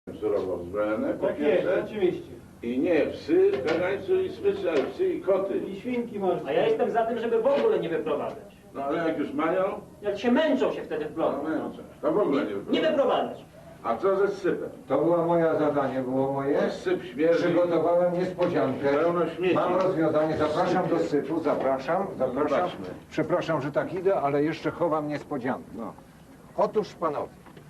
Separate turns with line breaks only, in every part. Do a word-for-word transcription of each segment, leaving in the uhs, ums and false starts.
surowo uzbrojone, po
Tak jest,
pierwsze.
oczywiście.
I nie psy, kagańcu i smyczy, ale psy i koty.
I świnki morskie.
A ja jestem za tym, żeby w ogóle nie wyprowadzać.
No ale jak już mają,
Jak się męczą się wtedy w
no
bloku.
męczą. To w ogóle nie
Nie
wyprowadzą.
wyprowadzać.
A co ze sypem?
To było moje zadanie, było moje.
Syp śmierdzi.
Przygotowałem niespodziankę.
Pełno śmieci.
Mam rozwiązanie. Zapraszam do sypu, zapraszam, zapraszam.
zobaczmy.
Przepraszam, że tak idę, ale jeszcze chowam niespodziankę.
No.
Otóż panowie,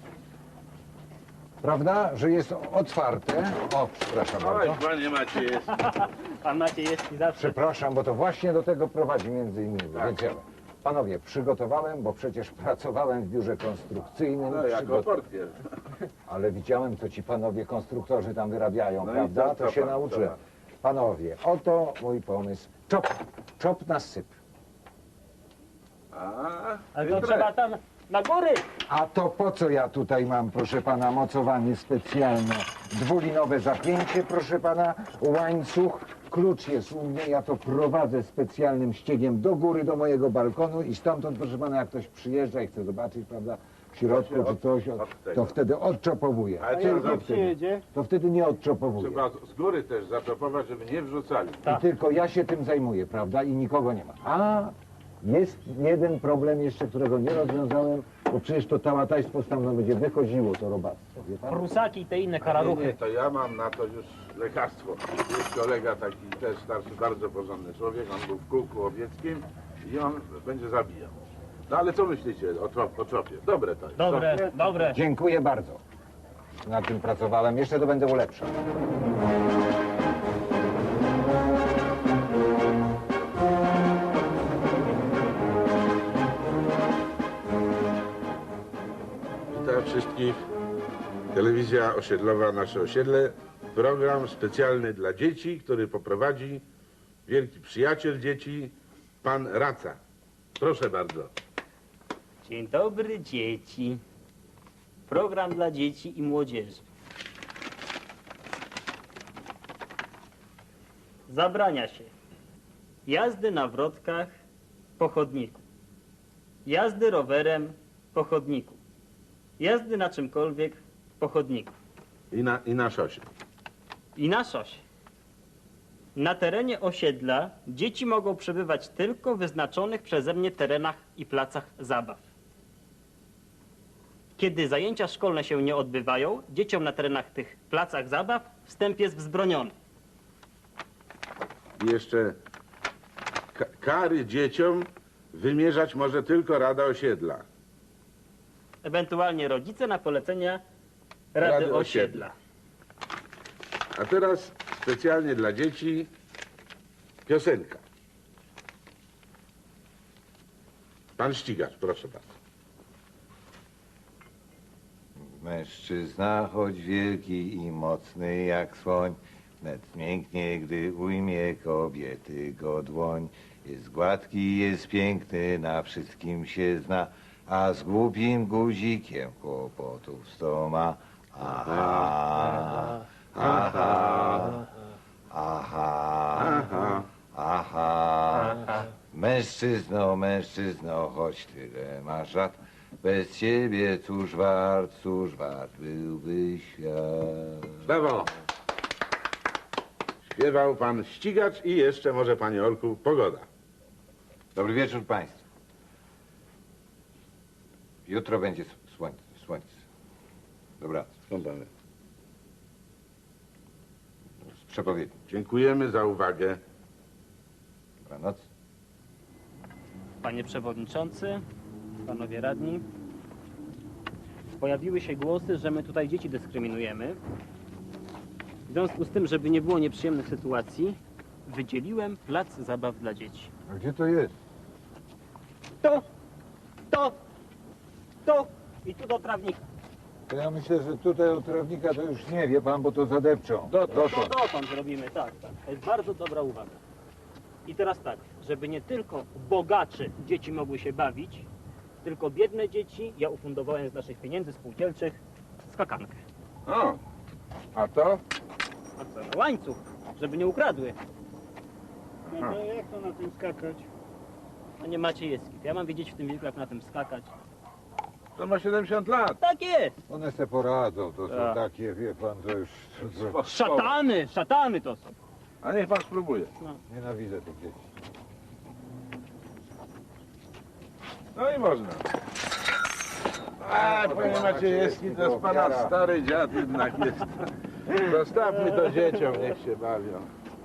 prawda, że jest otwarte. O, przepraszam
Oj,
bardzo.
panie Maciej jest.
Pan Maciejewski zawsze.
Przepraszam, bo to właśnie do tego prowadzi między innymi.
Tak.
Więc ja, panowie, przygotowałem, bo przecież pracowałem w biurze konstrukcyjnym.
No jako
przygo-
portier.
Ale widziałem, co ci panowie konstruktorzy tam wyrabiają,
No i
prawda?
to
To,
co
się
pan,
nauczyłem.
co
Panowie, oto mój pomysł. Czop, czop na syp.
A,
Ale to
chytre.
trzeba tam na góry.
A to po co ja tutaj mam, proszę pana, mocowanie specjalne? Dwulinowe zapięcie, proszę pana, łańcuch. Klucz jest u mnie, ja to prowadzę specjalnym ściegiem do góry, do mojego balkonu i stamtąd, proszę pana, jak ktoś przyjeżdża i chce zobaczyć, prawda, w środku
To się
czy
od-
coś,
od tego.
to wtedy odczopowuje.
Ale
A
co
jak
za
nie
wtedy,
przyjedzie?
to wtedy nie odczopowuje.
Trzeba z góry też zaczopować, żeby nie wrzucali.
I tylko ja się tym zajmuję, prawda? I nikogo nie ma. A jest jeden problem jeszcze, którego nie rozwiązałem, bo przecież to tałataństwo stamtąd będzie wychodziło, to robactwo, wie pan?
Prusaki i te inne
Nie, nie,
karaluchy.
to ja mam na to już lekarstwo. Jest kolega taki też starszy, bardzo porządny człowiek, on był w kółku łowieckim i on będzie zabijał. No ale co myślicie o, trop, o tropie? Dobre to jest.
Dobre,
co?
dobre.
Dziękuję bardzo. Nad tym pracowałem, jeszcze to będę ulepszał.
Witam wszystkich. Telewizja osiedlowa Nasze Osiedle. Program specjalny dla dzieci, który poprowadzi wielki przyjaciel dzieci, pan Raca. Proszę bardzo.
Dzień dobry, dzieci. Program dla dzieci i młodzieży. Zabrania się jazdy na wrotkach po chodniku, jazdy rowerem po chodniku, jazdy na czymkolwiek po chodniku
I na, i na szosie.
i na szosie. Na terenie osiedla dzieci mogą przebywać tylko w wyznaczonych przeze mnie terenach i placach zabaw. Kiedy zajęcia szkolne się nie odbywają, dzieciom na terenach tych placach zabaw wstęp jest wzbroniony.
I jeszcze ka kary dzieciom wymierzać może tylko Rada Osiedla.
Ewentualnie rodzice na polecenia Rady,
Rady
Osiedla.
A teraz specjalnie dla dzieci piosenka. Pan Ścigacz, proszę bardzo.
Mężczyzna, choć wielki i mocny jak słoń, wnet mięknie, gdy ujmie kobiety go dłoń. Jest gładki, jest piękny, na wszystkim się zna, a z głupim guzikiem kłopotów sto ma. Aha, aha, aha,
Aha.
aha. Mężczyzno, mężczyzno, choć tyle masz lat, bez ciebie cóż wart, cóż wart byłby świat.
Brawo. Śpiewał pan Ścigacz i jeszcze może, panie Olku, pogoda.
Dobry wieczór państwu. Jutro będzie słońce, słońce. Dobranoc.
Skąd pan wie?
Z przepowiedni.
Dziękujemy za uwagę.
Dobranoc.
Panie Przewodniczący, Panowie Radni, pojawiły się głosy, że my tutaj dzieci dyskryminujemy. W związku z tym, żeby nie było nieprzyjemnych sytuacji, wydzieliłem plac zabaw dla dzieci.
A gdzie to jest?
Tu, tu, tu i tu do trawnika.
To ja myślę, że tutaj od trawnika to już nie wie pan, bo to zadepczą.
To dotąd zrobimy, tak, tak. To jest bardzo dobra uwaga. I teraz tak, żeby nie tylko bogacze dzieci mogły się bawić, tylko biedne dzieci, ja ufundowałem z naszych pieniędzy spółdzielczych skakankę.
O, a to?
A co, na łańcuch, żeby nie ukradły.
No to jak to na tym skakać?
No nie macie jeski. Ja mam wiedzieć w tym wieku, jak na tym skakać.
To ma siedemdziesiąt lat.
Tak jest.
One se poradzą, to są
Tak.
takie, wie pan, to już... To,
Szatany, szatany to są.
A niech pan spróbuje.
nienawidzę tych dzieci.
No i można. A, panie Maciejewski, to jest pana stary dziad jednak jest. Zostawmy to dzieciom, niech się bawią.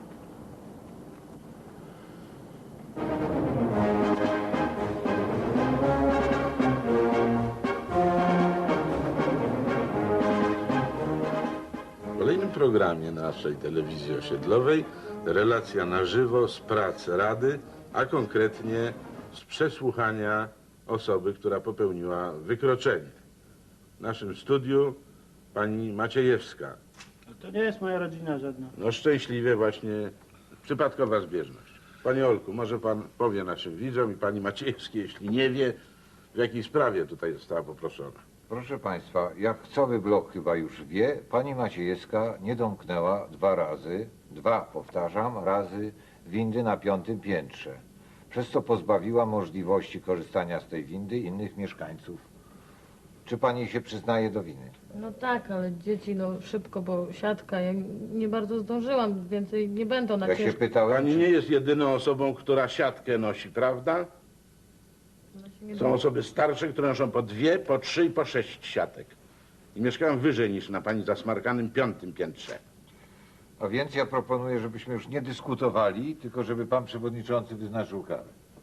W kolejnym programie naszej telewizji osiedlowej relacja na żywo z prac Rady, a konkretnie z przesłuchania osoby, która popełniła wykroczenie. W naszym studiu pani Maciejewska.
To nie jest moja rodzina żadna.
No szczęśliwie właśnie przypadkowa zbieżność. Panie Olku, może pan powie naszym widzom i pani Maciejewskiej, jeśli nie wie, w jakiej sprawie tutaj została poproszona.
Proszę państwa, jak cały blok chyba już wie, pani Maciejewska nie domknęła dwa razy, dwa, powtarzam, razy windy na piątym piętrze. Przez co pozbawiła możliwości korzystania z tej windy innych mieszkańców. Czy pani się przyznaje do winy?
No tak, ale dzieci, no szybko, bo siatka, ja nie bardzo zdążyłam, więcej nie będą na
Ja się
ciężko.
pytałem,
Pani
czy...
nie jest jedyną osobą, która siatkę nosi, prawda?
No się nie
Są osoby starsze, które noszą po dwie, po trzy i po sześć siatek. I mieszkają wyżej niż na pani zasmarkanym piątym piętrze.
A więc ja proponuję, żebyśmy już nie dyskutowali, tylko żeby pan przewodniczący wyznaczył karę.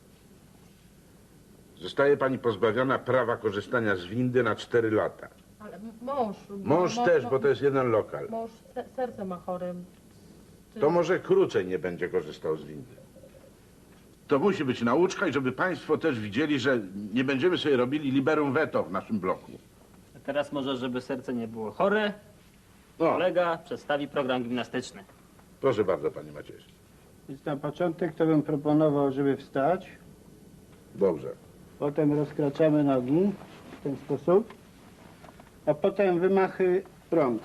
Zostaje pani pozbawiona prawa korzystania z windy na cztery lata.
Ale m- mąż.
Mąż
mo-
też,
mo-
bo to jest jeden lokal.
Mąż se- serce ma chore.
To może krócej nie będzie korzystał z windy. To musi być nauczka i żeby państwo też widzieli, że nie będziemy sobie robili liberum veto w naszym bloku.
A teraz może, żeby serce nie było chore,
No,
kolega przedstawi program gimnastyczny.
proszę bardzo, panie Maciejski.
Więc na początek to bym proponował, żeby wstać.
Dobrze.
Potem rozkraczamy nogi w ten sposób. A potem wymachy rąk.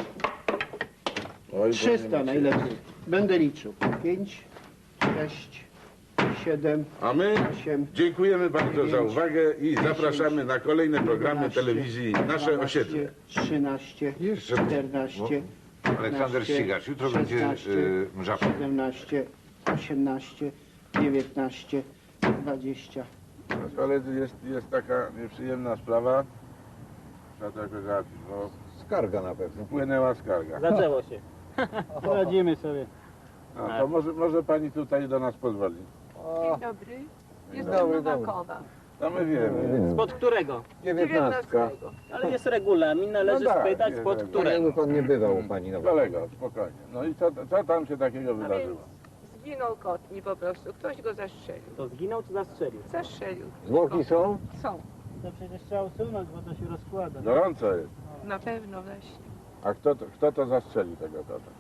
Oj,
trzysta
panie
najlepiej. Będę liczył. pięć, sześć, siedem,
A my
osiem.
dziękujemy bardzo za
dziewięć,
uwagę i
dziesięć,
zapraszamy na kolejne programy
jedenaście,
telewizji Nasze
dwanaście,
Osiedle.
trzynaście,
Jeszcze-
czternaście,
Aleksander Ścigacz, jutro będzie
szesnaście,
yy, mrzawka.
siedemnaście, osiemnaście, dziewiętnaście, dwadzieścia.
Ale jest, jest taka nieprzyjemna sprawa. Trzeba to jakoś załatwić, bo
Skarga na pewno.
wpłynęła skarga.
Zaczęło się.
Poradzimy sobie.
A, to może, może pani tutaj do nas pozwoli.
Dzień dobry. Jestem
dobry,
Nowakowa.
No my wiemy.
Spod którego?
Dziewiętnastka.
Ale jest regulamin, należy
No tak,
spytać
jest
spod
regulamin.
którego.
Jakby pan nie bywał u pani na
Kolego, spokojnie. No i co, co tam się takiego
A więc
wydarzyło?
zginął kotni po prostu. Ktoś go zastrzelił.
To zginął czy zastrzelił?
Zastrzelił.
Zwłoki są?
Są.
To przecież trzeba usunąć, bo to się rozkłada.
Gorąco jest.
Na pewno właśnie.
A kto to, kto to zastrzelił tego kota?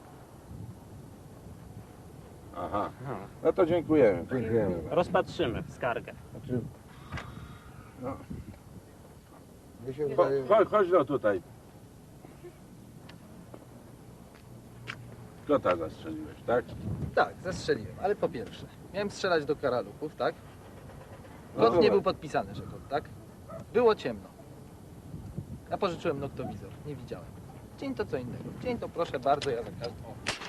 Aha. No to dziękujemy.
Dziękujemy.
Rozpatrzymy skargę.
Znaczy, no,
Mi się
cho,
wydaje,
chodź, chodź no tutaj. Kota zastrzeliłeś, tak?
Tak, zastrzeliłem, ale po pierwsze, miałem strzelać do karaluchów, tak?
No
Kod nie
dobra.
był podpisany, że kod, tak? Było ciemno. Ja pożyczyłem noktowizor, nie widziałem. Dzień to co innego. Dzień to proszę bardzo, ja za każdym...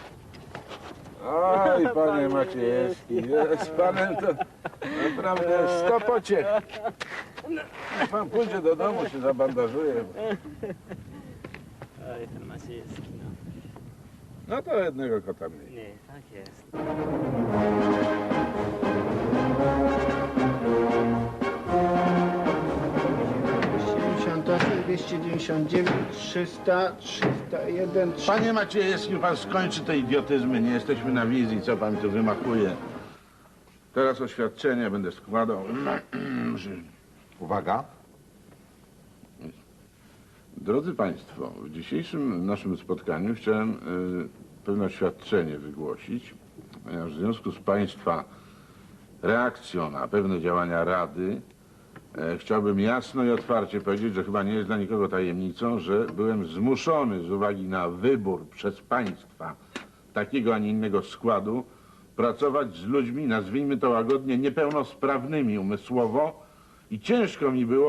Oj, panie Maciejewski, z panem to naprawdę sto pociech. Niech pan pójdzie do domu, się zabandażuje.
Oj, ten Maciejewski, no.
No to jednego kota mniej.
Nie, tak jest.
dwieście dziewięćdziesiąt osiem, dwieście dziewięćdziesiąt dziewięć, trzysta, trzysta jeden, trzysta.
Panie Maciejewski, pan skończy te idiotyzmy, nie jesteśmy na wizji, co pan tu wymachuje. Teraz oświadczenie będę składał.
uwaga,
Drodzy Państwo, w dzisiejszym naszym spotkaniu chciałem y, pewne oświadczenie wygłosić, ponieważ w związku z Państwa reakcją na pewne działania Rady e, chciałbym jasno i otwarcie powiedzieć, że chyba nie jest dla nikogo tajemnicą, że byłem zmuszony z uwagi na wybór przez Państwa takiego, a nie innego składu pracować z ludźmi, nazwijmy to łagodnie, niepełnosprawnymi umysłowo i ciężko mi było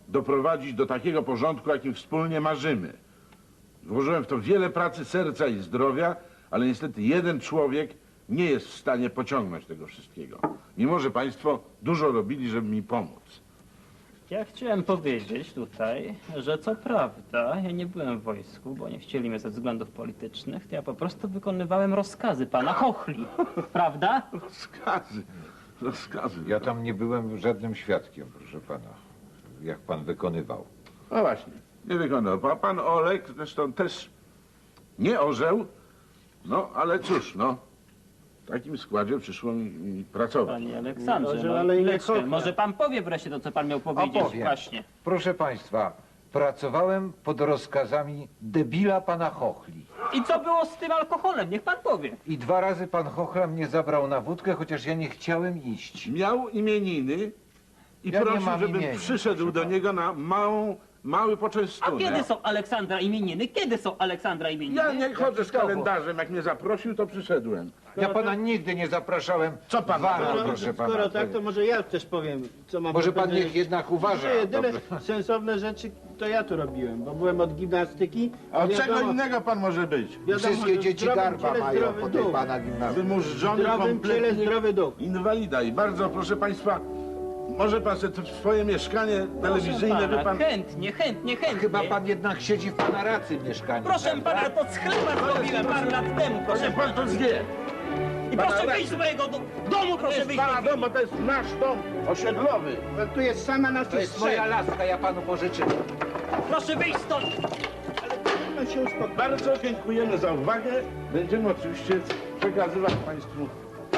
doprowadzić do takiego porządku, jakim wspólnie marzymy. Włożyłem w to wiele pracy, serca i zdrowia, ale niestety jeden człowiek nie jest w stanie pociągnąć tego wszystkiego. Mimo że państwo dużo robili, żeby mi pomóc.
Ja chciałem powiedzieć tutaj, że co prawda ja nie byłem w wojsku, bo nie chcieli mnie ze względów politycznych, to ja po prostu wykonywałem rozkazy pana Chochli. Prawda?
Rozkazy, rozkazy.
Ja tam nie byłem żadnym świadkiem, proszę pana, jak pan wykonywał.
No właśnie, nie wykonał. Pan, pan Olek zresztą też nie orzeł, no ale cóż, no. W takim składzie przyszło mi, mi pracować.
Panie Aleksandrze,
Może,
no,
ale i nie
chwileczkę.
Chochla.
Może pan powie wreszcie to, co pan miał powiedzieć.
Opowiem.
Właśnie.
Proszę państwa, pracowałem pod rozkazami debila pana Chochli.
I co było z tym alkoholem? Niech pan powie.
I dwa razy pan Chochla mnie zabrał na wódkę, chociaż ja nie chciałem iść.
Miał imieniny i
Ja nie
prosił,
mam
żebym
imienia,
przyszedł
proszę
do
pana.
niego na małą, mały
A
poczęstunek.
kiedy są Aleksandra imieniny? Kiedy są Aleksandra imieniny?
Ja nie chodzę z
Jakiś dowód.
kalendarzem, jak mnie zaprosił, to przyszedłem.
Ja pana nigdy nie zapraszałem.
Co pan
Dwa
ma
razy,
robić?
proszę pana.
Skoro tak, to może ja też powiem, co mam
Może
do
pan
powiedzenia.
niech jednak uważa.
Że jedyne
Dobrze.
sensowne rzeczy to ja tu robiłem, bo byłem od gimnastyki.
A od czego
wiadomo-
innego pan może być?
wiadomo,
Wszystkie
że
dzieci
zdrowym
garba
ciele
mają
zdrowy
po tej
duch.
pana gimnazjum.
Wymurzony
W zdrowym ciele
kompletnie
zdrowy duch.
inwalida. I bardzo proszę państwa, może pan sobie to swoje mieszkanie telewizyjne,
Proszę
wie pan...
pana, chętnie, chętnie, chętnie.
Chyba pan jednak siedzi w pana racy mieszkaniu.
Proszę
prawda?
pana, to z chleba zrobiłem parę lat temu, proszę
Niech pan
pana.
to zwie.
I
pana
proszę
racji.
wyjść z mojego do domu,
To
proszę
jest
wyjść.
pana dom, bo to jest nasz dom osiedlowy.
Bo tu jest sama na
To
tych
jest moja laska, ja panu pożyczyłem.
Proszę wyjść stąd.
Ale się uspokoi.
Bardzo dziękujemy za uwagę. Będziemy oczywiście przekazywać państwu.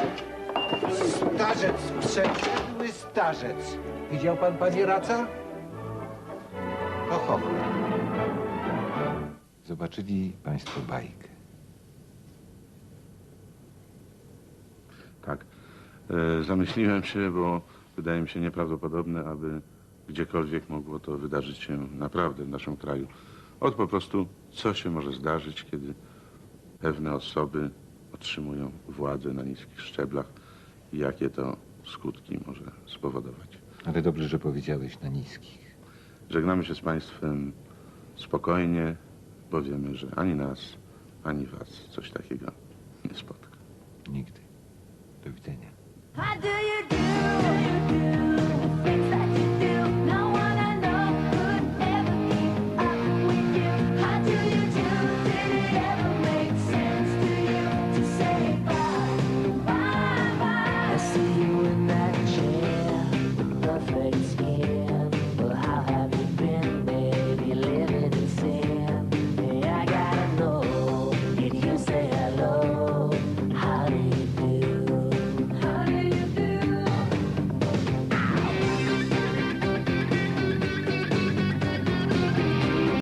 Starzec, przeszedły starzec. Widział pan, panie Raca? To Chochla. Zobaczyli państwo bajkę.
Tak. E, zamyśliłem się, bo wydaje mi się nieprawdopodobne, aby gdziekolwiek mogło to wydarzyć się naprawdę w naszym kraju. Od po prostu, co się może zdarzyć, kiedy pewne osoby otrzymują władzę na niskich szczeblach i jakie to skutki może spowodować.
Ale dobrze, że powiedziałeś na niskich.
Żegnamy się z państwem spokojnie, bo wiemy, że ani nas, ani was coś takiego nie spotka.
Nigdy. Do widzenia.
How do you do?